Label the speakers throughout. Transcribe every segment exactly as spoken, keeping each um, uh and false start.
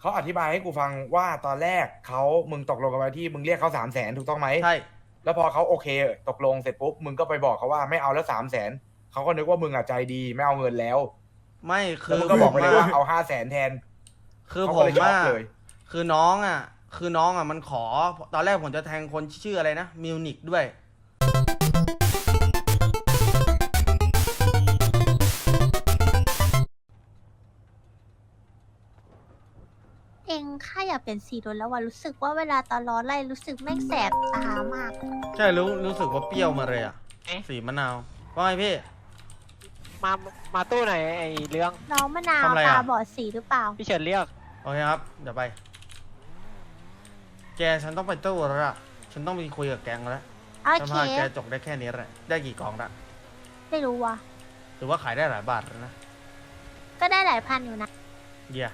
Speaker 1: เขาอธิบายให้กูฟังว่าตอนแรกเขามึงตกลงกันไว้ที่มึงเรียกเขาสามแสนถูกต้องไหม
Speaker 2: ใช่
Speaker 1: แล้วพอเขาโอเคตกลงเสร็จปุ๊บมึงก็ไปบอกเขาว่าไม่เอาแล้วสามแสนเขาก็นึกว่ามึงอ่ะใจดีไม่เอาเงินแล้ว
Speaker 2: ไม่คื
Speaker 1: แล้ว
Speaker 2: อ
Speaker 1: มึงก็บอกไปเลยว่าเอาห้าแสนแทน
Speaker 2: คือ
Speaker 1: เขา
Speaker 2: ผ
Speaker 1: ก็
Speaker 2: ม
Speaker 1: เลยช็อ
Speaker 2: อ่ะ
Speaker 1: กเลย
Speaker 2: คือน้องอ่ะ คือน้องอ่ะมันขอ ตอนแรกผมจะแทงคนชื่ออะไรนะมิวนิกด้วย
Speaker 3: เองข้าอยากเป็นสีโดนแล้วว่ารู้สึกว่าเวลาตอนร้อนไล่รู้สึกแม่งแสบตามาก
Speaker 2: ใช่รู้รู้สึกว่าเปรี้ยวมาเลยอ่ะ
Speaker 4: เอ๊ะ
Speaker 2: สีมะนาวว่าไงพี่
Speaker 4: มา มาตู้ไหนไอ้เรื่อง
Speaker 3: น้องมะนาว
Speaker 2: ทำอะไรอะ
Speaker 3: ตาบอดสีหรือเปล่า
Speaker 4: พี่เฉินเรียก
Speaker 2: โอเคครับ เดี๋ยวไป แกฉันต้องไปตู้แล้วล่ะ ฉันต้องไปคุยกับแกงแล้ว
Speaker 3: โอ
Speaker 2: ส
Speaker 3: เค
Speaker 2: ภาพแกจกได้แค่นี้แหละ ได้กี่กล่องละ
Speaker 3: ไม่รู้ว่ะ
Speaker 2: หรือว่าขายได้หลายบาทแล้วนะ
Speaker 3: ก็ได้หลายพันอยู่นะ
Speaker 2: เยี่ย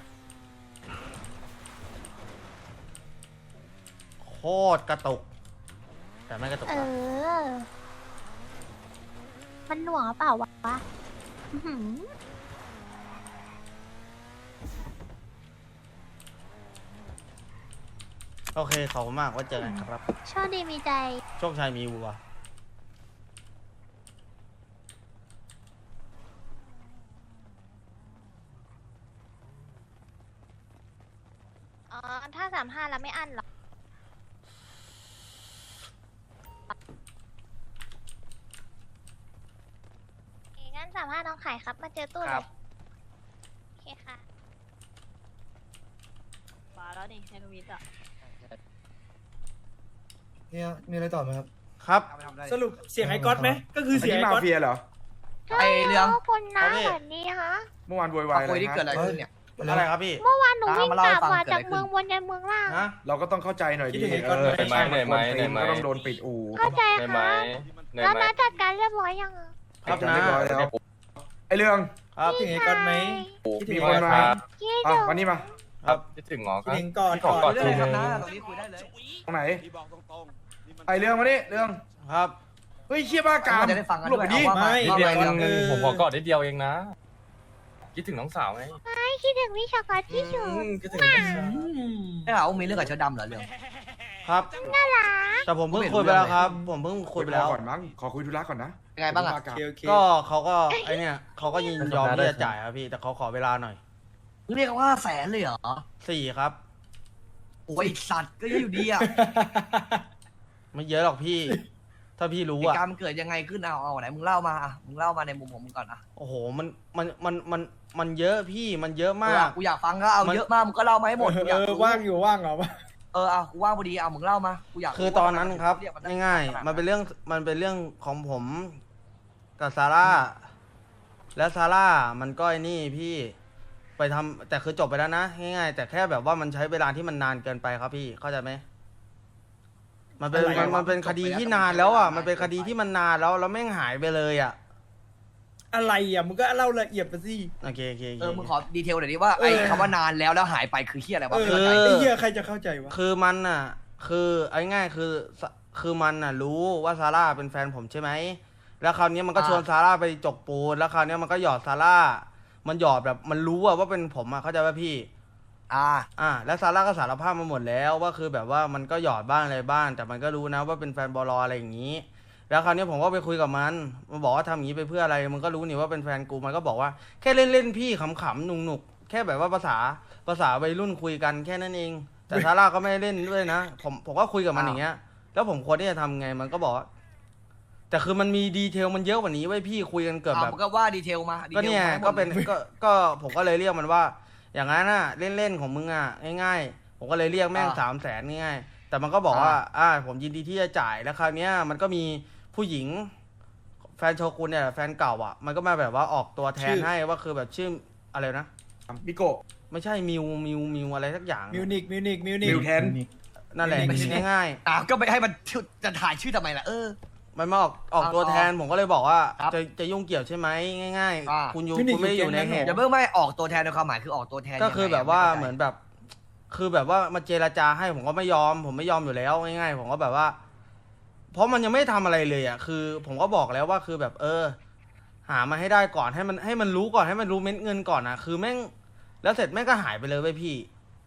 Speaker 2: โคตรกระตุก แต่ไม่กระตุก
Speaker 3: เอ
Speaker 2: นะ
Speaker 3: อ มันหน่วงหรือเปล่าวะอื้อหือ
Speaker 2: โอเคขอบคุณมากไว่าเจอกันครับ
Speaker 3: โชคดีมีใจ
Speaker 2: โชคชัยมีวัว
Speaker 3: อ๋อ ถ้าสามห้าแล้วไม่อั้นหรองั้นสามห้าน้องขายครับ มาเจอตู้เลยโอเคค่ะ
Speaker 5: มาแล้วนี่ในทวิตอ่ะ
Speaker 6: เนี่ยมีอะไรต่อไหมครับ
Speaker 2: ครับ
Speaker 7: สรุปเสียงไอ้ก๊อตไหมก็คือ
Speaker 1: อัน
Speaker 7: เสียง
Speaker 1: นี้
Speaker 7: ไอ้
Speaker 1: มา
Speaker 7: ก๊อต
Speaker 1: เฟียเหรอ
Speaker 6: ไอ้เรื่อง
Speaker 3: คุณน้า
Speaker 2: ครับพี่
Speaker 3: แบบนี้ฮะ
Speaker 1: เมื่อวานโวยวายอะไร
Speaker 6: คุยที่เกิด
Speaker 1: นะ
Speaker 6: อะไรขึ้นเนี่ย
Speaker 2: อะไรครับพี่
Speaker 3: เมื่อวานหนูวิ่ง
Speaker 6: มาเล่าก ให้
Speaker 3: ลับ
Speaker 6: ฟัง
Speaker 3: มา
Speaker 6: เกิดอะไร
Speaker 3: จากเมืองบนยันเมืองล่าง
Speaker 2: ฮะ
Speaker 1: เราก็ต้องเข้าใจหน่อยดิ
Speaker 7: คิดถึงไอ้ก๊อต
Speaker 1: เออ
Speaker 7: ไหม
Speaker 1: ใช่มันคนตีนก็ต้องโดนปิดอู่
Speaker 3: เข้าใจ
Speaker 8: ได้ไหม
Speaker 3: ค่ะ
Speaker 8: ได้
Speaker 3: แล้ว
Speaker 8: ไหม
Speaker 3: น้าจัดการเรียบร้อยยังอะ
Speaker 2: ครับ
Speaker 1: จัด
Speaker 2: นะ
Speaker 1: เรียบร้อยแล้วไอเรื่อง
Speaker 2: ครับ
Speaker 7: คิดถึงไอ้ก๊อตไหมคิดถึง
Speaker 1: มี
Speaker 7: ไอ้
Speaker 1: ค
Speaker 7: ก๊อน ต
Speaker 1: มา
Speaker 7: ไหม
Speaker 3: คิด
Speaker 1: อ่ะ
Speaker 3: ถึง
Speaker 1: วันนี้มา
Speaker 2: ครับ
Speaker 8: คิดถึงเหรอค
Speaker 7: คิด
Speaker 8: รับ
Speaker 7: ถึงก่อน
Speaker 8: พี่ขอกอด
Speaker 6: เรื่อง
Speaker 8: ที
Speaker 6: อะไรครับ
Speaker 8: นึง
Speaker 6: นะตรงนี้คุยได้เลย
Speaker 1: ตรงไหนไอเรื่องมานี่เรื่อง
Speaker 2: ครับ
Speaker 1: เฮ้ยเชี่ยบ้ากาม
Speaker 6: จะได้ฟังกัน
Speaker 1: หลบไปดิ
Speaker 6: ด้วยเอาว่า
Speaker 7: ไม่
Speaker 8: นิดเดียว
Speaker 6: อา
Speaker 8: เอ
Speaker 6: ไง
Speaker 8: งผมขอกอดนิดเดียวเองนะ คิดถึงน้องสาวไง
Speaker 3: ไม่คิดถึงพี่ช็อกโกแลตที่สุด
Speaker 7: คิดถึง
Speaker 6: ได้ข่าวว่ามีเรื่องกับเชื้อดำเหรอเรื่อง
Speaker 2: ครับ
Speaker 3: น่ารัก
Speaker 2: แต่ผมเพิ่งคุยไปแล้วครับ ผมเพิ่งคุยไปแล้ว
Speaker 1: ก่อนมั้งขอคุยธุระก่อนนะ
Speaker 6: ยังไงบ้างอะ
Speaker 1: บ้ากาม
Speaker 7: โอเคโอเค
Speaker 2: ก็เขาก็ไอเนี่ยเขาก็ยินยอมที่จะจ่ายครับพี่ แต่เขาขอเวลาหน่อย
Speaker 6: มึงเรียกว่าแสนเลยเหรอ
Speaker 2: สี่ครับ
Speaker 6: โอ้ยสัตว์ก็เยอะอยู่ดีอะ
Speaker 2: ไม่เยอะหรอกพี่ ถ้าพี่รู้
Speaker 6: เหตุ
Speaker 2: อะ
Speaker 6: การณ์มันเกิดยังไงขึ้นเอาเอาไหนมึงเล่ามาอะมึงเล่ามาในมุมของมึงก่อนอะ
Speaker 2: โอ้โห มัน มัน มัน มัน มันเยอะพี่ มันเยอะมาก
Speaker 6: กูอยากฟังก็เอา
Speaker 2: มัน
Speaker 6: เยอะมากมึงก็เล่ามาให้หมดกูอาก
Speaker 7: เอยอ
Speaker 6: รู้
Speaker 7: ว่างอยู่ว่างเหรอวะ
Speaker 6: เออเอากูว่างพอดีเอามึงเล่ามากูอยาก
Speaker 2: คือตอนนั้นครับ
Speaker 6: เยกมัน
Speaker 2: ง่ายๆ มันเป็นเรื่อง มันเป็นเรื่องของผมกับซาร่า แล้วซาร่ามันก็ไอ้นี่พี่ไปทำแต่คือจบไปแล้วนะง่ายๆแต่แค่แบบว่ามันใช้เวลาที่มันนานเกินไปครับพี่เข้าใจไหมมันเป็นมันมันเป็นคดีที่นานแล้วอ่ะมันเป็นคดีที่มันนานแล้วแล้วแม่งหายไปเลยอ่ะ
Speaker 7: อะไรอ่ะมึงก็เล่าละเอียดไปสิ
Speaker 2: โอเคโอเคโอ
Speaker 6: เออมึง
Speaker 2: เค
Speaker 6: ขอดีเทลหน่อยดิว่าไอ้
Speaker 7: เออ
Speaker 6: คำว่านานแล้วแล้วหายไปคือเฮียอะไรวะ
Speaker 7: เอ
Speaker 6: ไม่
Speaker 7: อ
Speaker 6: เข้าใจ
Speaker 2: คือ
Speaker 7: ไอ้เหี้ยใครจะเข้าใจวะ
Speaker 2: คือมันอ่ะ คือเอาง่ายๆคือสคือมันอ่ะ รู้ว่าซาร่าเป็นแฟนผมใช่ไหมแล้วคราวนี้มันก็ชวนซาร่าไปจกปูนแล้วคราวนี้มันก็หยอดซาร่ามันหยอดแบบมันรู้อะว่าเป็นผมอะเข้าใจป่ะพี่
Speaker 6: อ่า
Speaker 2: อ่าแล้วซาร่าก็สารภาพมาหมดแล้วว่าคือแบบว่ามันก็หยอดบ้างอะไรบ้างแต่มันก็รู้นะว่าเป็นแฟนบอลอะไรอย่างนี้ แล้วคราวนี้ผมก็ไปคุยกับมันมันบอกว่าทำอย่างนี้ไปเพื่ออะไรมันก็รู้นี่ว่าเป็นแฟนกูมันก็บอกว่าแค่เล่นเล่นๆพี่ขำๆหนุกๆแค่แบบว่าภาษาภาษาวัยรุ่นคุยกันแค่นั้นเอง แต่ซาร่าก็ไม่ได้เล่นด้วยนะผมผมก็คุยกับมันอย่างเงี้ย แล้วผมควรที่จะทำไงมันก็บอกว่าแต่คือมันมีดีเทลมันเยอะกว่านี้ไว้ยพี่คุยกันเกือบ
Speaker 6: อ่า
Speaker 2: แบบ
Speaker 6: มึงก็ว่าดีเทลมาดี
Speaker 2: ก็
Speaker 6: ทล
Speaker 2: เนี่ย
Speaker 6: มาให้หมด
Speaker 2: ก็เป็น
Speaker 6: ลย
Speaker 2: ก็ก็ผมก็เลยเรียกมันว่า อย่างนั้นน่ะเล่นๆของมึงอ่ะง่ายๆผมก็เลยเรียกแม่ง
Speaker 6: อ่า
Speaker 2: สามแสนง่ายๆแต่มันก็บอก
Speaker 6: อ่า
Speaker 2: ว่าอ่าผมยินดีที่จะจ่ายแล้วคราวเนี้ยมันก็มีผู้หญิง แฟนโชกุนเนี่ยแฟนเก่าอ่ะมันก็มาแบบว่าออกตัวแทนให้ว่าคือแบบชื่ออะไรนะ
Speaker 1: บิโกะ
Speaker 2: ไม่ใช่มิวมิวมิวอะไรสักอย่าง
Speaker 7: มิวนิกมิวนิกมิวนิก
Speaker 1: มิวแทน
Speaker 2: นั่นแหละ
Speaker 7: มิวนิก
Speaker 2: ง่าย
Speaker 6: อ่าก็ไปให้มันจะถ่ายชื่อทำไมล่ะเออ
Speaker 2: ๆมันมาออกออก
Speaker 6: อ่า
Speaker 2: ตัวแทนผมก็เลยบอกว่า
Speaker 6: ครับ
Speaker 2: จะจะยุ่งเกี่ยวใช่ไหมง่าย
Speaker 6: อ่า
Speaker 2: ๆ คุณอยู่
Speaker 7: มิวนิก
Speaker 2: คุณไม่ได้อยู่ใน
Speaker 7: อยู่แก๊งนั้น
Speaker 2: เหตุ
Speaker 6: อย่าเพิ่งไม่ออกตัวแทนในความหมายคือออกตัวแทน
Speaker 2: ก็คือ
Speaker 6: ยังไง
Speaker 2: แบบว่า
Speaker 6: ไข้ใจ
Speaker 2: เหมือนแบบ คือแบบว่ามาเจรจาให้ผมก็ไม่ยอม ผมไม่ยอมอยู่แล้วง่ายๆผมก็แบบว่า เพราะมันยังไม่ทำอะไรเลยอ่ะคือ ผมก็บอกแล้วว่าคือแบบ เออ หามาให้ได้ก่อนให้มันให้มันรู้ก่อนให้มันรู้เม็ดเงินก่อนอ่ะ คือแม่งแล้วเสร็จแม่งก็หายไปเลยเว้ยพี่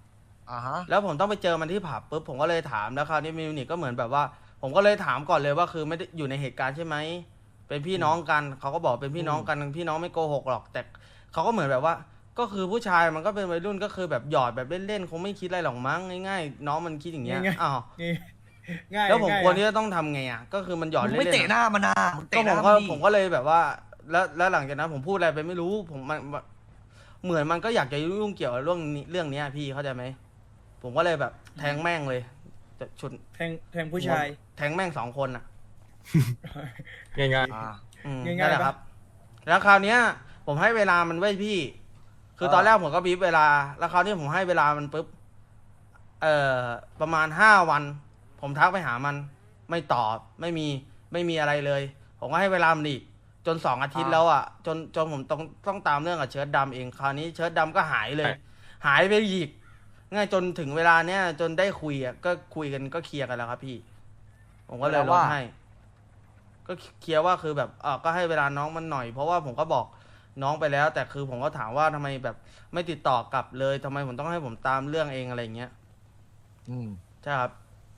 Speaker 6: อ่าฮะ
Speaker 2: แล้วผมต้องไปเจอมันที่ผับปุ๊บผมก็เลยถามแล้วคราวนี้มิวนิกก็เหมือนแบบว่า ผมก็เลยถามก่อนเลยว่าคือไม่ได้อยู่ในเหตุการณ์ใช่ไหมเป็นพี่น้องกันเขาก็บอกเป็นพี่น้องกันพี่น้องไม่โกหกหรอก แต่เขาก็เหมือนแบบว่า ก็คือผู้ชายมันก็เป็นวัยรุ่นก็คือแบบหยอดแบบเล่นๆคงไม่คิดอะไรหรอกมั้งง่ายๆน้องมันคิดอย่างเงี้ย
Speaker 7: ง่ายๆ
Speaker 2: อ้าว
Speaker 7: ง่ายง่าย
Speaker 2: แล้วผม
Speaker 7: ง่าย
Speaker 2: ควรที่จะต้องทำไงอ่ะก็คือมันหยอด
Speaker 6: มึง
Speaker 2: เล่นๆ
Speaker 6: ไม่เตะหน้ามันนะมึง
Speaker 2: ก็
Speaker 6: เตะห
Speaker 2: ผ
Speaker 6: น้าม
Speaker 2: ก็
Speaker 6: มันดิ
Speaker 2: ผมก็เลยแบบว่า แล้วแล้วหลังจากนั้นผมพูดอะไรไปไม่รู้ ผมมันเหมือนมันก็อยากจะยุ่งเกี่ยวกับเรื่องนี้เรื่องเนี้ยพี่เข้าใจไหมผมก็เลยแบบแทงแม่งเลยจะชุด
Speaker 7: แทงแทงผู้ชาย
Speaker 2: แทงแม่งสองคนอ่ะ
Speaker 8: ง่าย
Speaker 6: อ่า
Speaker 2: อืม
Speaker 7: ง่ายๆ
Speaker 2: นั่นแหละ
Speaker 7: ปะ
Speaker 2: ครับ แล้วคราวเนี้ย ผมให้เวลามันไว้พี่ คือตอนแรกผมก็บีบเวลา แล้วคราวนี้ผมให้เวลามันปุ๊บ เอ่อ ประมาณห้าวัน ผมทักไปหามัน ไม่ตอบ ไม่มี ไม่มีอะไรเลย ผมก็ให้เวลามันอีก จนสองอาทิตย์แล้วอ่ะ จนจนผมต้องต้องตามเรื่องกับเชิ้ตดำเอง คราวนี้เชิ้ตดำก็หายเลย หายไปอีก ง่ายจนถึงเวลาเนี้ยจนได้คุยอ่ะ ก็คุยกันก็เคลียร์กันแล้วครับพี่ ผมก็เลยลดให้ ก็เคลียร์ว่าคือแบบอ่าก็ให้เวลาน้องมันหน่อย เพราะว่าผมก็บอกน้องไปแล้ว แต่คือผมก็ถามว่าทำไมแบบไม่ติดต่อกลับเลยทำไมผมต้องให้ผมตามเรื่องเองอะไรเงี้ย
Speaker 6: อืม
Speaker 2: ใช่ครับ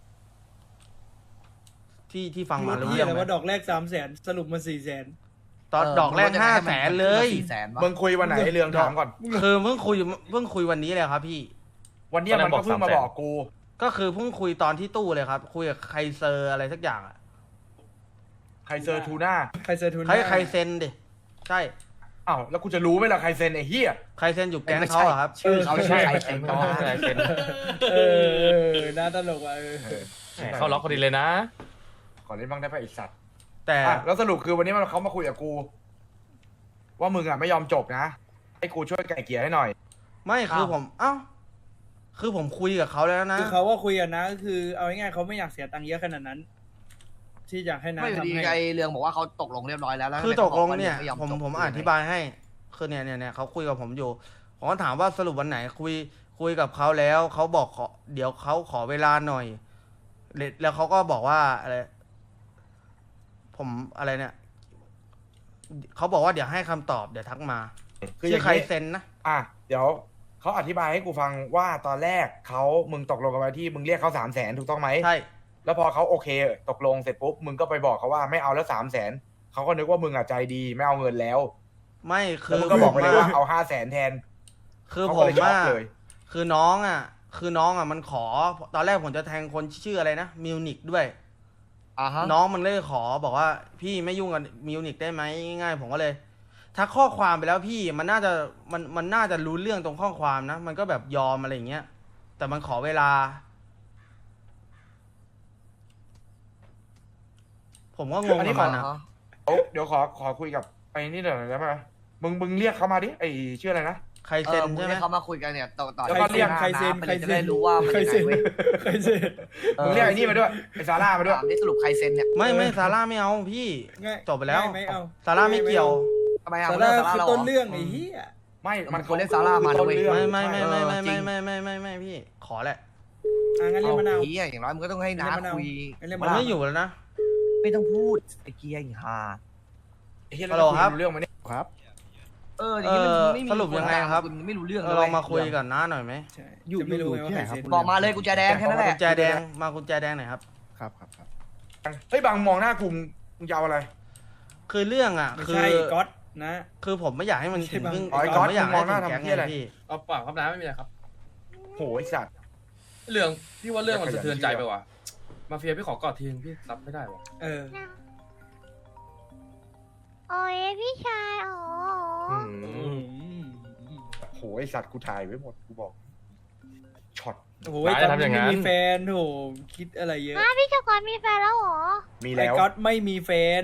Speaker 2: ที่ที่ฟังมารู้
Speaker 7: ที่
Speaker 2: เรื่อ
Speaker 7: อะ
Speaker 2: ง
Speaker 7: ไร
Speaker 2: ไหม
Speaker 7: ว่าดอกแรกสามแสนสรุปมาสี่แสน
Speaker 2: ตอนดอกแรกห้าแสนเลย
Speaker 6: สี่แสนวะ
Speaker 1: มึงคุยวันไหนไอ้เรื่องถามก่อน
Speaker 2: คือเพิ่งคุยเพิ่งคุยวันนี้เลยครับพี่
Speaker 1: วันเนี้ยมันก็เพิ่งมาบอกกู
Speaker 2: ก็คือเพิ่งคุยตอนที่ตู้เลยครับ คุยกับใครเซอร์อะไรสักอย่างอะ
Speaker 1: ใครเซอร์ทูน่า
Speaker 7: ใครเซอร์ทุน
Speaker 2: ใครใครเซ็นดิใช่
Speaker 1: อ้าวแล้วกูจะรู้ไหมล่ะใครเซ็นไอ้เหี้ย
Speaker 2: ใครเซ็นอยู่แก๊งเขาอะครับ
Speaker 6: ชื่อเขาใช่ใคร
Speaker 8: ๆ
Speaker 6: เซ็น
Speaker 8: น้องอะไรเซ็น
Speaker 7: เออน่าตลกว่ะเออ
Speaker 8: แหมเข้าล็อกพอดีเลยนะ
Speaker 1: ก่อนเล่นบ้างได้ป่ะไอ้สัตว์
Speaker 2: แต่
Speaker 1: อ่ะแล้วสรุปคือวันนี้มันเขามาคุยกับกู ว่ามึงอ่ะไม่ยอมจบนะให้กูช่วยไก่เกลี่ยให้หน่อย
Speaker 2: ไม่คือผมเอ้าคือผมคุยกับเขาแล้วนะ
Speaker 7: คือเขาว่าคุยกันนะก็คือเอาง่ายๆเขาไม่อยากเสียตังค์เยอะขนาดนั้น ที่อยากให้น้า
Speaker 6: ไม่อยู่
Speaker 7: ทำ
Speaker 6: ดี
Speaker 7: ให้
Speaker 6: ไอเรืองบอกว่าเขาตกลงเรียบร้อยแล้วแล้ว
Speaker 2: คือตกลงเนี่ย
Speaker 6: ทำไขาบอ
Speaker 2: ผม
Speaker 6: ว่า
Speaker 2: ผม
Speaker 6: ไย
Speaker 2: อธิบายให้ คือเนี่ยเนี่ยเนี่ยเขาคุยกับผมอยู่ผมก็ถามว่าสรุปวันไหน คุยคุยกับเขาแล้วเขาบอกขอเดี๋ยวเขาขอเวลาหน่อยแล้วแล้วเขาก็บอกว่าอะไรผมอะไรเนี่ยเขาบอกว่าเดี๋ยวให้คำตอบเดี๋ยวทักมา
Speaker 1: คืออ
Speaker 2: ชื่
Speaker 1: ย่า
Speaker 2: อง ใคร
Speaker 1: นี้
Speaker 2: เซ็นนะ
Speaker 1: อ่ะเดี๋ยวเขาอธิบายให้กูฟังว่าตอนแรกเขามึงตกลงกันไว้ที่มึงเรียกเขาสามแสนถูกต้องไหม
Speaker 2: ใช่
Speaker 1: แล้วพอเขาโอเค ตกลงเสร็จปุ๊บมึงก็ไปบอกเขาว่าไม่เอาแล้วสามแสนเขาก็นึกว่ามึงอ่ะใจดีไม่เอาเงินแล้ว
Speaker 2: ไม่คื
Speaker 1: แล้ว
Speaker 2: อ
Speaker 1: มึงก็บอกไปเลยว่า
Speaker 2: ผมะ
Speaker 1: เอาห้าแสนแทน
Speaker 2: คือ
Speaker 1: เขา
Speaker 2: ผ
Speaker 1: ก็
Speaker 2: ม
Speaker 1: เลยช็อก
Speaker 2: ว่า
Speaker 1: เลย
Speaker 2: คือน้องอ่ะ คือน้องอ่ะมันขอ ตอนแรกผมจะแทงคนชื่ออะไรนะมิวนิกด้วย
Speaker 6: อ่าฮะ
Speaker 2: น้องมันเลยขอบอกว่าพี่ไม่ยุ่งกับมิวนิกได้ไหมง่ายๆผมก็เลยทักข้อความไปแล้วพี่มันน่าจะมันมันน่าจะรู้เรื่องตรงข้อความนะ มันก็แบบยอมอะไรอย่างเงี้ย แต่มันขอเวลา ผมก็งง
Speaker 1: อันนี้
Speaker 2: กับมันนะ
Speaker 6: อ่าฮะ
Speaker 1: เดี๋ยวเดี๋ยวขอขอคุยกับไอ้นี่หน่อยได้ไหมมึงมึงเรียกเขามาดิไอ้ชื่ออะไรนะ
Speaker 2: ใคร
Speaker 6: เอ
Speaker 2: เซ็น
Speaker 6: อมึง
Speaker 2: ใช่ไหม
Speaker 6: ให้เขามาคุยกันเนี่ยต่อต่อ
Speaker 1: แล้วก็เรียก
Speaker 7: ใครเซ็น
Speaker 6: ไป
Speaker 7: ใคร
Speaker 6: เลยจะ
Speaker 7: เซ็
Speaker 6: ได้
Speaker 7: น
Speaker 6: รู้ว่ามัน
Speaker 7: ใคร
Speaker 6: ยังไง
Speaker 7: เซ็น
Speaker 6: เว้ย
Speaker 7: ใครเซ็น
Speaker 1: มึงเรียกไอ้นี่มาด้วยไอ้ซาร่ามาด้วย
Speaker 6: ถามนี่สรุปใครเซ็นเนี่ย
Speaker 2: ไม่ไม่ซาร่าไม่เอาพี่
Speaker 7: ง่าย
Speaker 2: จบไปแล้ว
Speaker 7: ง่ายไม่เอา
Speaker 2: ซาร่าไม่เกี่ยว
Speaker 6: ทำไมอ่ะ
Speaker 7: ซา
Speaker 6: เรื่
Speaker 7: ร่า
Speaker 6: องซาร่า
Speaker 7: คือ
Speaker 6: เรา
Speaker 7: ต้น
Speaker 6: เหรอ
Speaker 7: เรื่องไอ้เหี้ย
Speaker 1: ไม่
Speaker 6: มันควรเรียกซาร่ามานะเว้ย
Speaker 1: ต้น
Speaker 2: ไม่
Speaker 1: เรื่อง
Speaker 2: ไม่ไม่
Speaker 1: ใช่
Speaker 2: ไม่ไม่
Speaker 6: จริ
Speaker 2: ไม่
Speaker 6: ง
Speaker 2: ไม่ไม่ไม่ไม่พี่ ขอแหละ
Speaker 7: อ่ะงั้นเรียกมะนาว
Speaker 6: เฮียอย่างน้อยมึงก็ต้องให้น้า
Speaker 7: เรียกมะนาว
Speaker 6: คุย
Speaker 7: เรียก
Speaker 2: มั
Speaker 7: มะ
Speaker 2: น
Speaker 7: นาว
Speaker 2: ไม่อยู่แล้วนะ
Speaker 6: ไม่ต้องพูดไอ้เกียร์ไอ้ห่า
Speaker 1: ไอ้เหี้ย
Speaker 2: ฮัลโหลครับ
Speaker 1: เรื่องมันเนี่ย
Speaker 9: ครับ
Speaker 6: เอออย่างนี้มัน
Speaker 2: เออ
Speaker 6: ไม่มี
Speaker 2: สรุปยังไงครับ
Speaker 6: ณไม่รู้เรื่อง
Speaker 2: เรา
Speaker 6: เลย
Speaker 2: ลองมาคุยกันน้าหน่อยไหม
Speaker 7: ใช่อยู่ไม่รู้ไงว่าใครเซ็น
Speaker 6: บอกมาเลยกุญแจแดงแค่นั้นแห
Speaker 2: กุ
Speaker 6: ละ
Speaker 2: ญแจแดงมากุญแจแดงหน่อยครับ
Speaker 9: ครับครับครับ
Speaker 1: เฮ้ยบางมองหน้ากูมึงจะเอาอะไร
Speaker 2: คือเรื่องอ่ะ
Speaker 7: ไม่
Speaker 2: คือ
Speaker 7: ใช่ก๊อตนะ
Speaker 2: คือผมไม่อยากให้มัน
Speaker 7: ไม่ใช่
Speaker 2: ถึง
Speaker 7: บาง
Speaker 2: เพิ่ง
Speaker 1: อ๋อไอ้
Speaker 2: ผ
Speaker 1: ก๊อ
Speaker 2: ม
Speaker 1: ต
Speaker 2: ไม่อยาก
Speaker 1: มึงม
Speaker 2: ให้
Speaker 1: องหน้า
Speaker 2: ถึงแก๊ง
Speaker 1: ทำเหี้ยอะไร
Speaker 2: ไงพี่
Speaker 8: เอาเปล่าครับน้าไม่มีอะไรครับ
Speaker 1: โหไอ้สัตว์
Speaker 8: เรื่องพี่ว่าเรื่องมันสะเทือนใจไปว่ะมาเฟียพี่ขอกอดทีนึงพี่รับไม่ได้ว่ะ
Speaker 7: เออ
Speaker 3: โอ้ยพี่ชายอ๋อ
Speaker 1: อืมโหไอ้สัตว์กูถ่ายไว้หมดกูบอกช็อต
Speaker 7: โอ้ยก๊อตไม่มีแฟนโถคิดอะไรเยอะ
Speaker 3: ฮะพี่เจ้าก่อนมีแฟนแล้วเหรอ
Speaker 1: มี
Speaker 7: ไอ้
Speaker 1: แล้ว
Speaker 7: ก๊อตไม่มีแฟน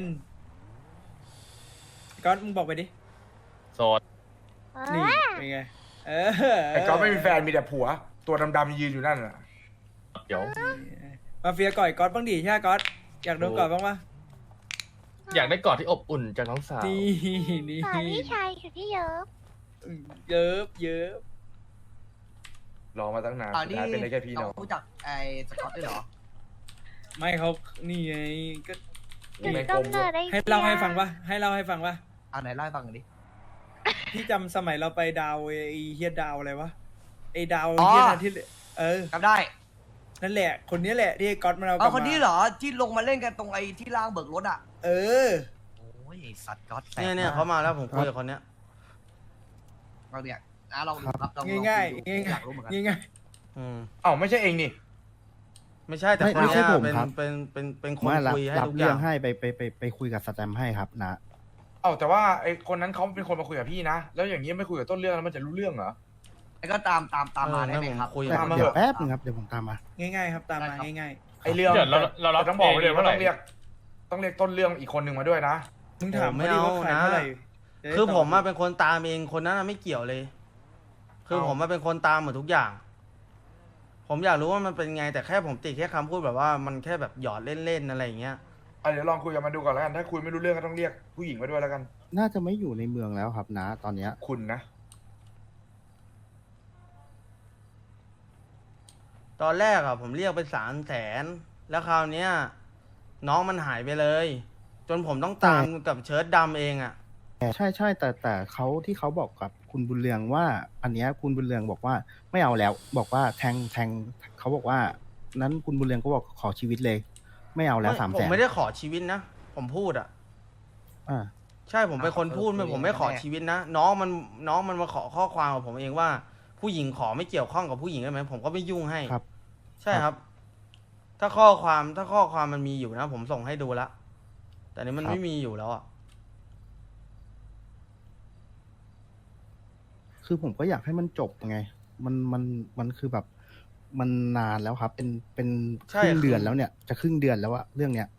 Speaker 7: ก๊อตมึงบอกไปดิ
Speaker 8: โสด
Speaker 3: เอ
Speaker 7: นี่
Speaker 3: อ
Speaker 7: เป็นไงเออ
Speaker 1: ไอ้ก๊อฟไม่มีแฟนมีแต่ผัว ตัวดำๆยืนอยู่นั่นน่ะ
Speaker 8: เดี๋ยว
Speaker 7: มาเฟียก่อยก๊อตบ้างดิใช่ไหมก๊อตอยากโดนก่อยบ้างปะ
Speaker 8: อยากได้กอดที่อบอุ่นจากน้องสาว
Speaker 7: นี่นี่
Speaker 3: สอนพี่ชายสุดที่เยอะ
Speaker 7: เยอะเยอะ
Speaker 1: รอมาตั้งนาน
Speaker 6: อ่า
Speaker 1: สุด
Speaker 6: นี่
Speaker 1: ท้ายเป็นได้แค่พี่น้อง
Speaker 6: รู้จักไอ้สกอตด้วยเหรอ
Speaker 7: ไม่เขานี่ไงก็
Speaker 3: จุด
Speaker 1: ไม่
Speaker 3: ต้
Speaker 1: กล
Speaker 3: น
Speaker 1: ม
Speaker 3: เนิดไอ้
Speaker 7: ให้เล่าให้ฟังปะให้เล่าให้ฟังปะ
Speaker 6: อ่าไหนเล่าให้ฟังหน่อยดิ
Speaker 7: พี่จำสมัยเราไปดาวไอ้เฮียดาวอะไรวะไอ้ดาว
Speaker 6: อ๋อ
Speaker 7: เฮียนะที่เออ
Speaker 6: จำได้
Speaker 7: นั่นแหละ คนนี้แหละที่ก๊อตมันเอาก
Speaker 6: เอา
Speaker 7: ลับ
Speaker 6: คน
Speaker 7: มา
Speaker 6: นี้เหรอที่ลงมาเล่นกันตรงไอ้ที่ล่างเบิกรถอ่ะ
Speaker 7: เออ
Speaker 6: โอ้ยสัตว์ก๊อตแสบ
Speaker 2: เนี่ยเนี่ยเขามาแล้วผมคุยกับคนเนี้ย
Speaker 6: เราเนี่ยอ่ะลองดูครับลอง
Speaker 7: ง่ายๆ
Speaker 6: ลองดู
Speaker 7: ง่ายๆ
Speaker 6: อยากรู้เหมือนกัน
Speaker 7: ง่าย
Speaker 2: อืม
Speaker 1: เอ้าไม่ใช่เองนี่
Speaker 2: ไม่ใช่แต่
Speaker 9: ไม่
Speaker 2: คน
Speaker 9: ไม่ใช่
Speaker 2: เนี้ย
Speaker 9: ผม
Speaker 2: เป็น
Speaker 9: ครับ
Speaker 2: เป็นเป็นเป็นคน
Speaker 9: ไม่รับ
Speaker 2: คุยให้
Speaker 9: รับ
Speaker 2: ทุกอ
Speaker 9: เรื่
Speaker 2: ย่า
Speaker 9: อง งให้ไปไปไปไปคุยกับสแตมป์ให้ครับนะ
Speaker 1: เอ้าแต่ว่าไอ้คนนั้นเขาเป็นคนมาคุยกับพี่นะ แล้วอย่างนี้ไม่คุยกับต้นเรื่องแล้วมันจะรู้เรื่องเหรอ
Speaker 6: แล้วก็ตามตามตามมาได้ไหมครับ
Speaker 2: คุย
Speaker 9: แต่
Speaker 1: ตามมา
Speaker 9: เดี๋ยว
Speaker 1: เถอะ
Speaker 9: แป๊บนึงครับเดี๋ยวผมตามมา
Speaker 7: ๆง่ายๆครับตามมา
Speaker 6: ได้ครับ
Speaker 7: ง่าย
Speaker 1: ไอ้เรื่อง
Speaker 8: เดี๋ยวเราเรารับ
Speaker 1: แต่ต้องบอกไว้เลย
Speaker 8: เอง
Speaker 1: ว่า
Speaker 8: เท่าไหร่
Speaker 1: ต้องเรียก ต้องเรียกต้นเรื่องอีกคนหนึ่งมาด้วยนะ
Speaker 7: ๆมึงถามไม่ดีว่าขายเท่าไหร่จะได้
Speaker 2: คือผม
Speaker 7: ต
Speaker 2: มา
Speaker 7: บ
Speaker 2: เป็นคนตามเองคนนั้นน่ะไม่เกี่ยวเลย คือ
Speaker 1: เอา
Speaker 2: ผมมาเป็นคนตามหมดทุกอย่าง ผมอยากรู้ว่ามันเป็นไงแต่แค่ผมติดแค่คำพูดแบบว่ามันแค่แบบหยอดเล่นๆอะไรอย่างเงี้ย
Speaker 1: อ่ะเดี๋ยวลองคุยกับมันดูก่อนแล้วกัน ถ้าคุยไม่รู้เรื่องก็ต้องเรียกผู้หญิงมาด้วยแล้วกัน
Speaker 9: น่าจะไม่อยู่ในเมืองแล้วครับนะ ตอนเนี้ย
Speaker 1: คุณนะ
Speaker 2: ตอนแรกอะผมเรียกไปสามแสนแล้วคราวเนี้ยน้องมันหายไปเลย จนผมต้องตามกับเชิ้ตดำเองอะ
Speaker 9: แต่ใช่ใช่แต่แต่เขาที่เขาบอกกับคุณบุญเรืองว่า อันเนี้ยคุณบุญเรืองบอกว่าไม่เอาแล้ว บอกว่าแทงแทงเขาบอกว่า นั้นคุณบุญเรืองก็บอกขอชีวิตเลย ไม่เอาแล้วสาม
Speaker 2: ผ
Speaker 9: แส
Speaker 2: ม
Speaker 9: น
Speaker 2: ไม่ได้ขอชีวิตนะผมพูดอะ
Speaker 9: อ่า
Speaker 2: ใช่ผมเป็นคนพูดไม่ผมไม่ขอชีวิตนะน้องมันน้องมันมาขอข้อความกับผมเองว่า ผู้หญิงขอไม่เกี่ยวข้องกับผู้หญิงได้ไหมผมก็ไม่ยุ่งให้
Speaker 9: ครับ
Speaker 2: ใช่ครับ ถ้าข้อความถ้าข้อความมันมีอยู่นะ ผมส่งให้ดูละแต่นี้มัน
Speaker 9: ครับ
Speaker 2: ไม่มีอยู่แล้วอ่ะ
Speaker 9: คือผมก็อยากให้มันจบไง มันมันมันคือแบบมันนานแล้วครับ เป็นเป็นครึ่งเดือนแล้วเนี่ย จะครึ่งเดือนแล้วอะเรื่องเนี้ย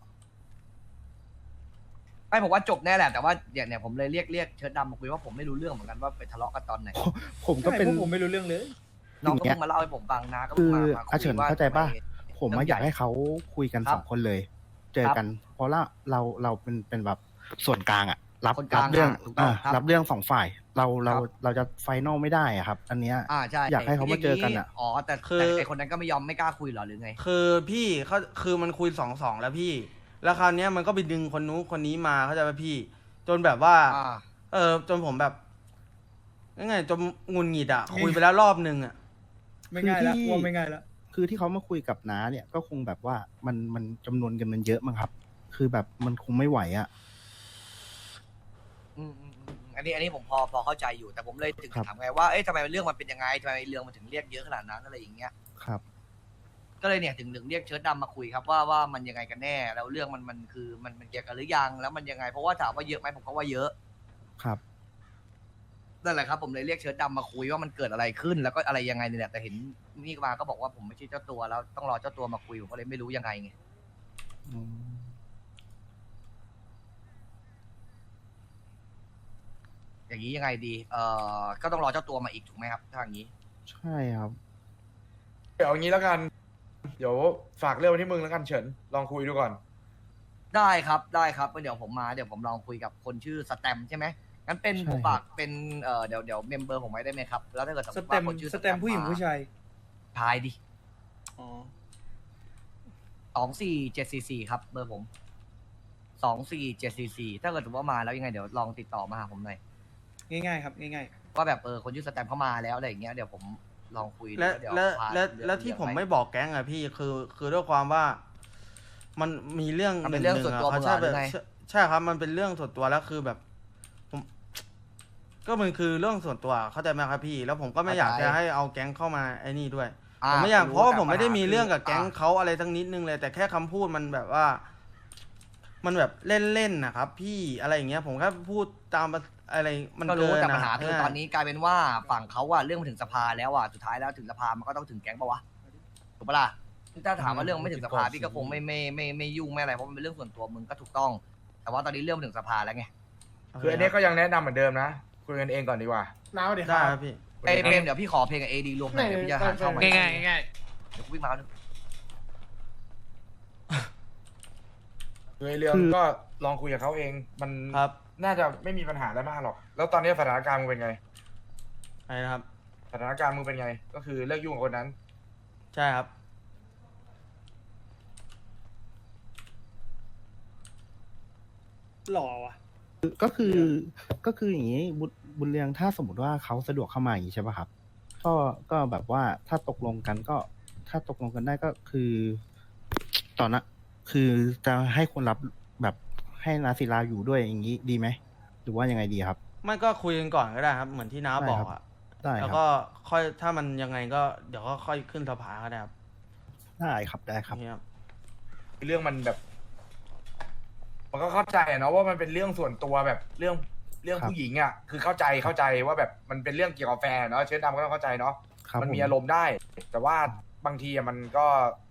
Speaker 6: ไม่ผมว่าจบแน่แหละแต่ว่าเนี่ยเนี่ยผมเลยเรียกเรียกเชิดดำมาคุยว่าผมไม่รู้เรื่องเหมือนกันว่าไปทะเลาะกันตอนไหน
Speaker 9: ผมก็เป็น
Speaker 7: ใช่พวผมไม่รู้เรื่องเลย
Speaker 6: น้องก็
Speaker 9: อย่างเงี้ย
Speaker 6: เพิ่งมาเล่าให้ผมฟังนะก็
Speaker 9: คื
Speaker 6: เพิ่ง
Speaker 9: อ
Speaker 6: มามา
Speaker 9: อาเฉิน
Speaker 6: ว่า
Speaker 9: เข้าใจป่ะ
Speaker 6: ทำไ
Speaker 9: ผม
Speaker 6: เรื่
Speaker 9: มา
Speaker 6: อง
Speaker 9: อยาก
Speaker 6: ใหญ่
Speaker 9: ให้เขาคุยกัน
Speaker 6: ครับ
Speaker 9: สองคนเลย เจอ
Speaker 6: ครับ
Speaker 9: กัน เพราะละเราเราเป็นเป็นแบบส่วนกลางอะรับ
Speaker 6: คนกลาง
Speaker 9: รับเรื่อง
Speaker 6: อ่ะถูกต้อง
Speaker 9: อ่า
Speaker 6: ครับ
Speaker 9: รับเรื่องสองฝ่าย เราเรา
Speaker 6: ครับ
Speaker 9: เราจะไฟนอลไม่ได้อะครับ อันเนี้ย
Speaker 6: อ่าใช่
Speaker 9: อยากให้เขามาเจอกันอะ
Speaker 6: อ๋อแต่
Speaker 2: คือ
Speaker 6: แต่ไอคนนั้นก็ไม่ยอมไม่กล้าคุยเหรอหรือไง
Speaker 2: คือพี่เขาคือมันคุยสองสองแล้วพี่ แล้วคราวเนี้ยมันก็ไปดึงคนนู้นคนนี้มาเข้าใจป่ะพี่ จนแบบว่า
Speaker 6: อ่า
Speaker 2: เออจนผมแบบยังไงจนงุนหงิดอ่ะ คุยไปแล้วรอบนึงอ่ะ
Speaker 7: ไม่ง่ายละ
Speaker 9: คือที่
Speaker 7: ว่าไม่ง่ายละ
Speaker 9: คือที่เขามาคุยกับน้าเนี่ยก็คงแบบว่ามันมันจำนวนกันมันเยอะมั้งครับ คือแบบมันคงไม่ไหวอะ
Speaker 6: อืมอืมอืมอันนี้อันนี้ผมพอพอเข้าใจอยู่แต่ผมเลยถึง
Speaker 9: ครับ
Speaker 6: ถามไงว่าเอ๊ะทำไมเรื่องมันเป็นยังไงทำไมเรื่องมันถึงเรียกเยอะขนาดนั้นอะไรอย่างเงี้ย
Speaker 9: ครับ
Speaker 6: ก็เลยเนี่ยถึงถึงเรียกเชิดดำมาคุยครับว่าว่ามันยังไงกันแน่แล้วเรื่องมันมันคือมันมันเกี่ยวกันหรือยังแล้วมันยังไงเพราะว่าถามว่าเยอะไหมผมก็ว่าเยอะ
Speaker 9: ครับ
Speaker 6: นั่นแหละครับผมเลยเรียกเชิดดำมาคุยว่ามันเกิดอะไรขึ้นแล้วก็อะไรยังไงเนี่ยแต่เห็นนี่มาก็บอกว่าผมไม่ใช่เจ้าตัวแล้วต้องรอเจ้าตัวมาคุยผมก็เลยไม่รู้ยังไงไง
Speaker 9: อืม
Speaker 6: อย่างนี้ยังไงดีเอ่อก็ต้องรอเจ้าตัวมาอีกถูกไหมครับถ้าอย่างนี้
Speaker 9: ใช่ครับ
Speaker 1: เดี๋ยวเอางี้แล้วกัน เดี๋ยวฝากเรื่องไว้ที่มึงแล้วกันเฉิน ลองคุยดูก่อน
Speaker 6: ได้ครับได้ครับเดี๋ยวผมมาเดี๋ยวผมลองคุยกับคนชื่อสแตมใช่ไหมงั้นเป็น
Speaker 9: ใช่
Speaker 6: ผมฝากเป็นเอ่อเดี๋ยวเดี๋ยวเมมเบอร์ผมไว้ได้ไหมครับแล้วถ้าเกิดสมม
Speaker 7: ส
Speaker 6: ติ
Speaker 7: แต
Speaker 6: ว่าม คนชื่อ
Speaker 7: สแตมผู้หญิงผู้ชาย
Speaker 6: ทายดิ
Speaker 7: อ๋อ
Speaker 6: สองสี่เจ็ดสี่สี่ครับเบอร์ผมสองสี่เจ็ดสี่สี่ถ้าเกิดสมมติว่ามาแล้วยังไงเดี๋ยวลองติดต่อมาหาผมหน่อย
Speaker 7: ง่ายๆครับง่าย
Speaker 6: ว่าแบบเออคนชื่อสแตมเข้ามาแล้วอะไรอย่างเงี้ยเดี๋ยวผมลองคุย
Speaker 2: และ
Speaker 6: เดี๋ยว
Speaker 2: และ
Speaker 6: พา
Speaker 2: และ
Speaker 6: เรื่อง
Speaker 2: และที่
Speaker 6: เรื่อง
Speaker 2: ผม
Speaker 6: ป
Speaker 2: ไม่บอกแก๊งอะพี่คือ คือด้วยความว่า มันมีเรื่อง
Speaker 6: มันเป็นเรื่องส่วนตัว
Speaker 2: เขา
Speaker 6: มึง
Speaker 2: ใช่
Speaker 6: เหรอหรื
Speaker 2: แบบ
Speaker 6: อไง
Speaker 2: ใช่ใช่ครับ มันเป็นเรื่องส่วนตัวแล้วคือแบบ ผม ก็มันคือเรื่องส่วนตัวเข้าใจไหมครับพี่ แล้วผมก็ไม่อยากจะให้เอาแก๊งเข้ามาไอ้นี่ด้วย
Speaker 6: อ่
Speaker 2: ผมไม่อยากเพราะว่าผมไม่ได้มี
Speaker 6: แต่ปัญหา
Speaker 2: เรื่องกับ
Speaker 6: คื
Speaker 2: แก๊งเขาอะไรทั้งนิดนึงเลย แต่แค่คำพูดมันแบบว่า มันแบบเล่นๆนะครับ พี่อะไรอย่างเงี้ย ผมแค่พูดตามอะไรมัน
Speaker 6: ก็รู้
Speaker 2: เกิน
Speaker 6: แต่
Speaker 2: อะ
Speaker 6: ปัญหาคือ
Speaker 2: ใช่
Speaker 6: ตอนนี้กลายเป็นว่าฝั่งเขาอะเรื่องมันถึงสภาแล้วอะสุดท้ายแล้วถึงสภามันก็ต้องถึงแก๊งปะวะถูกปะล่ะถ้าถามว่าเรื่องไม่ถึงสภาพี่ก็คงไม่ไม่ไม่ไม่ยุ่งไม่อะไรเพราะมันเป็นเรื่องส่วนตัวมึงก็ถูกต้อง แต่ว่าตอนนี้เรื่องมันถึงสภาแล้วไง
Speaker 1: คืออันนี้ก็ยังแนะนำเหมือนเดิมนะ คุยกันเองก่อนดีกว่า
Speaker 8: น้าเดี๋ยว
Speaker 2: ได้ครับพี่
Speaker 6: ไอ้ยเพลงเดี๋ยวพี่ขอเพลงกับเอดีรวมหน่อยเดี๋ยวพี่จะหาช่องใหม่
Speaker 8: ง่ายๆง่าย
Speaker 6: เดี๋ยวกูวิ่งมาแล้ว
Speaker 1: คือไอ้เรื่อง
Speaker 9: คือ
Speaker 1: ก็ลองคุยกับเขาเอง มัน
Speaker 2: ครับ
Speaker 1: น่าจะไม่มีปัญหาอะไรมากหรอก แล้วตอนนี้สถานการณ์มึงเป็นไง
Speaker 2: อะไรนะครับ
Speaker 1: สถานการณ์มึงเป็นไง ก็คือเลิกยุ่งกับคนนั้น
Speaker 2: ใช่ครับ
Speaker 7: หล่อว่ะ
Speaker 9: ก็คือก็คืออย่างนี้บุญบุญเรืองถ้าสมมติว่าเขาสะดวกเข้ามาอย่างนี้ใช่ป่ะครับก็ก็แบบว่าถ้าตกลงกันก็ ถ้าตกลงกันได้ก็คือตอนนั้นคือจะให้คนรับแบบให้นาศิลาอยู่ด้วยอย่างนี้ดีไหมหรือว่ายังไงดีครับ
Speaker 2: ไม่ก็คุยกันก่อนก็ได้ครับ เหมือนที่น้า
Speaker 9: ได้
Speaker 2: บอ
Speaker 9: ครั
Speaker 2: ก
Speaker 9: บ
Speaker 2: อ่ะ
Speaker 9: ได้
Speaker 2: แล้ว
Speaker 9: ครับ
Speaker 2: ก็ค่อยถ้ามันยังไงก็เดี๋ยวก็ค่อยขึ้นสภาก็ได้ครับ
Speaker 9: ได้ครับได้ครับ
Speaker 2: นี่ครับ
Speaker 1: เรื่องมันแบบ มันก็เข้าใจอะเนาะว่ามันเป็นเรื่องส่วนตัวแบบเรื่องเรื่อง
Speaker 9: ครับ
Speaker 1: ผู้หญิงอ่ะคือเข้าใจเข้าใจว่าแบบมันเป็นเรื่องเกี่ยวกับแฟนเนาะเชิดดำก็ต้องเข้าใจเนาะ
Speaker 9: ครับ
Speaker 1: มันมี
Speaker 9: ผ
Speaker 1: อารมณ์ได้ แต่ว่าบางทีอะมันก็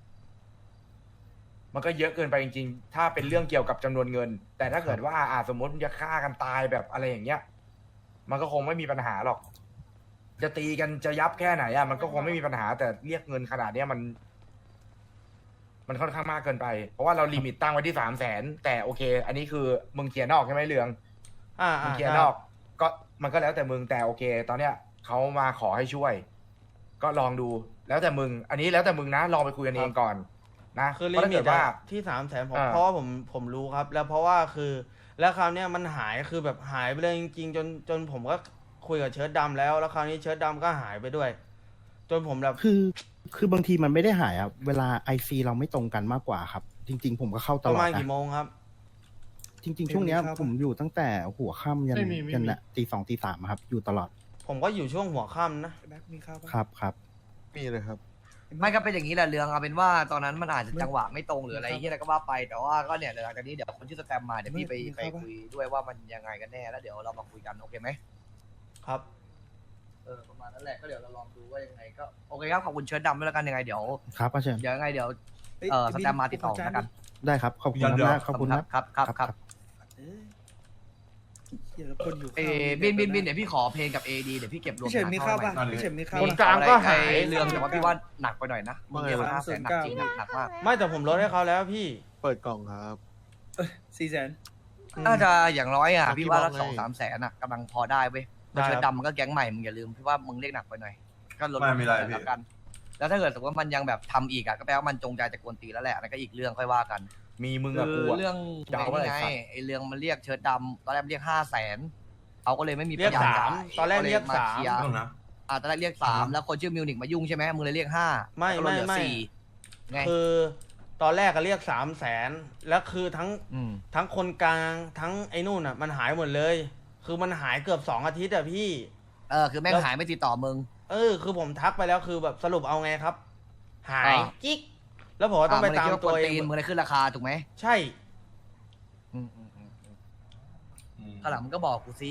Speaker 1: มันก็เยอะเกินไปจริงๆ ถ้าเป็นเรื่องเกี่ยวกับจำนวนเงิน แต่ถ้าเกิดว่าอาสมมติมึงจะฆ่ากันตายแบบอะไรอย่างเงี้ย มันก็คงไม่มีปัญหาหรอก จะตีกันจะยับแค่ไหนอะมันก็คงไม่มีปัญหา แต่เรียกเงินขนาดเนี้ยมัน มันค่อนข้างมากเกินไป เพราะว่าเราลิมิตตั้งไว้ที่สามแสนแต่โอเค อันนี้คือมึงเคลียร์นอกใช่ไหมเรือง
Speaker 2: อ่า
Speaker 1: มึ
Speaker 2: อ่าง
Speaker 1: เคลียร์นอก ก็มันก็แล้วแต่มึงแต่โอเค ตอนเนี้ยเขามาขอให้ช่วย ก็ลองดู แล้วแต่มึง อันนี้แล้วแต่มึงนะลองไปคุยกันเองก่อน นะ
Speaker 2: คือ
Speaker 1: เพ
Speaker 2: ลิ
Speaker 1: ราะถ้า
Speaker 2: มิ
Speaker 1: เกิ
Speaker 2: ต
Speaker 1: ดว่า
Speaker 2: อะที่สามแสนผม
Speaker 1: อ่า
Speaker 2: เพราะว่าผมผมรู้ครับ แล้วเพราะว่าคือ แล้วคราวเนี้ยมันหายคือแบบหายไปเลยจริงๆจนจนผมก็คุยกับเชิ้ตดำแล้ว แล้วคราวนี้เชิ้ตดำก็หายไปด้วย จนผมแบบ
Speaker 9: คือคือบางทีมันไม่ได้หายครับเวลาไอซีเราไม่ตรงกันมากกว่าครับ จริง ๆ ผมก็เข้าต
Speaker 2: ประ
Speaker 9: ลอด
Speaker 2: มาณ
Speaker 9: นะ
Speaker 2: กี่โมงครับ
Speaker 9: จริง ๆ ช่วงเนี้ย
Speaker 7: ไม่มีครับ
Speaker 9: ผมอยู่ตั้งแต่หัวค่ำยัน
Speaker 8: ไม่มีไม่มี
Speaker 9: ยันน่ะตีสองตีสามครับ อยู่ตลอด
Speaker 2: ผมก็อยู่ช่วงหัวค่ำนะ
Speaker 7: แบ็คมีข้าวปะ
Speaker 9: ครับครับ
Speaker 10: มีเลยครับ
Speaker 6: ไม่ก็เป็นอย่างนี้แหละเรื่องเอาเป็นว่าตอนนั้นมันอาจจะจังหวะไม่ตรงหรืออะไรที่อะไรก็ว่าไปแต่ว่าก็เนี่ยเดี๋ยวหลังจากนี้เดี๋ยวคนชื่อสแตมมาเดี๋ยวพี่ไปไปคุยด้วยว่ามันยังไงกันแน่แล้วเดี๋ยวเรามาคุยกันโอเคไหม
Speaker 2: ครับ
Speaker 6: เออประมาณนั้นแหละก็เดี๋ยวเราลองดูว่ายังไงก็โอเคครับขอบคุณเชิญดำด้วยแล้วกันยังไงเดี๋ยว
Speaker 9: ครับอาเชิญ
Speaker 6: เดี๋ยวยังไงเดี๋ยว
Speaker 7: ฮ้ย
Speaker 6: เออส
Speaker 7: บิน
Speaker 6: แตมมาติดต่อ
Speaker 7: ขจาน
Speaker 6: แล้วกัน
Speaker 9: ได้ครับขอบคุณ
Speaker 10: เดี๋ยว
Speaker 9: มากขอบคุณ
Speaker 6: ค
Speaker 9: ค
Speaker 6: รั
Speaker 9: รั
Speaker 6: บบ ครับครับครับ
Speaker 7: เอ้ยเดี๋ยวคนอยู่
Speaker 6: เอ
Speaker 7: ข้าว
Speaker 6: บินบินบินเดี๋ยวพี่ขอเพลงกับเอดีเดี๋ยวพี่เก็บรวม
Speaker 7: พี่เฉินมีข้าวป่ะ
Speaker 6: หา
Speaker 7: พี่เฉินมีข้าว
Speaker 2: คน
Speaker 7: ป่ะ
Speaker 2: กลางก็หาย
Speaker 6: ไอ้เรื่องแต่ว่าพี่ว่าหนักไปหน่อยนะมึงเดียวห้าแสนหนักจริงหนักมาก
Speaker 2: ไม่แต่ผมลดให้เขาแล้วพี่
Speaker 10: เปิดกล่องครับ
Speaker 7: สี่แสน
Speaker 6: น่าจะอย่างน้อยอ่ะ
Speaker 10: อ่ะ
Speaker 6: พี่ว่า
Speaker 10: พี่
Speaker 6: ละ
Speaker 10: บอกไง
Speaker 6: สองสามแสนอ่ะกำลังพอได้เว้ย
Speaker 2: ได้ครับ
Speaker 6: เชิญดำมันก็แก๊งใหม่มึงอย่าลืมพี่ว่ามึงเรียกหนักไปหน่อยก็ลด
Speaker 10: ไม่มีไร
Speaker 6: ลง
Speaker 10: พี่
Speaker 6: แล้วกัน แล้วถ้าเกิดสมมติว่ามันยังแบบทำอีกอ่ะก็แปลว่ามันจงใจจะกวนตีนแล้วแหละนั่นก็อีกเรื่องค่อยว่ากัน
Speaker 1: มีมึง
Speaker 6: คื
Speaker 1: กับกู
Speaker 6: อ
Speaker 1: อะ
Speaker 6: เรื่อง
Speaker 1: จะเอาอะไร
Speaker 6: ไง
Speaker 1: สัตว์
Speaker 6: ไอ้เรื่องมันเรียกเชิญดำตอนแรกเรียกห้าแสนเขาก็เลยไม่มี
Speaker 2: เรียก
Speaker 6: ปัญญ
Speaker 2: สาม
Speaker 6: จ่ย
Speaker 2: ตอนแรกเรียก
Speaker 6: มา
Speaker 2: สาม
Speaker 6: เคลียร์
Speaker 10: ต้องนะ
Speaker 6: อ่าตอนแรกเรียกสามแล้วคนชื่อมิวนิกมายุ่งใช่ไหมมึงเลยเรียกห้า
Speaker 2: ไม่
Speaker 6: แล้วก็ลดเหลือ
Speaker 2: ไม่ไม่
Speaker 6: สี่ไง
Speaker 2: คือตอนแรกก็เรียกสามแสนแล้วคือทั้ง
Speaker 6: อืม
Speaker 2: ทั้งคนกลางทั้งไอ้นู่นอ่ะ มันหายหมดเลย คือมันหายเกือบสองอาทิตย์อะพี่
Speaker 6: เออคือแม่ง
Speaker 2: แล้ว
Speaker 6: หายไม่ติดต่อมึง
Speaker 2: เออ คือผมทักไปแล้วคือแบบสรุปเอาไงครับ หาย
Speaker 6: อ่า
Speaker 2: กิ๊กแล้วผมก็ต้องไปตาม
Speaker 6: อ่ะงเลยคิด
Speaker 2: ตัว
Speaker 6: กน
Speaker 2: เอ
Speaker 6: ตี
Speaker 2: ง
Speaker 6: นมึงเลยขึ้นราคาถูกไหม
Speaker 2: ใช่
Speaker 6: อืมอืมอืมอืมข้างหลังมึงก็บอกกูสิ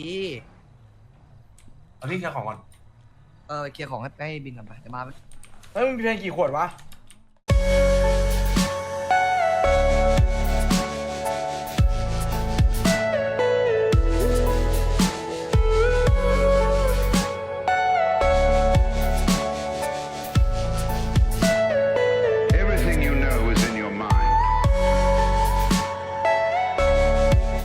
Speaker 10: เอาพี่เคลียร์ของก่อน
Speaker 6: เออไปเคลียร์ของให้ให้บินกันไปเดี๋ยวมา
Speaker 1: เฮ้ยมึงมีเพลงกี่ขวดวะ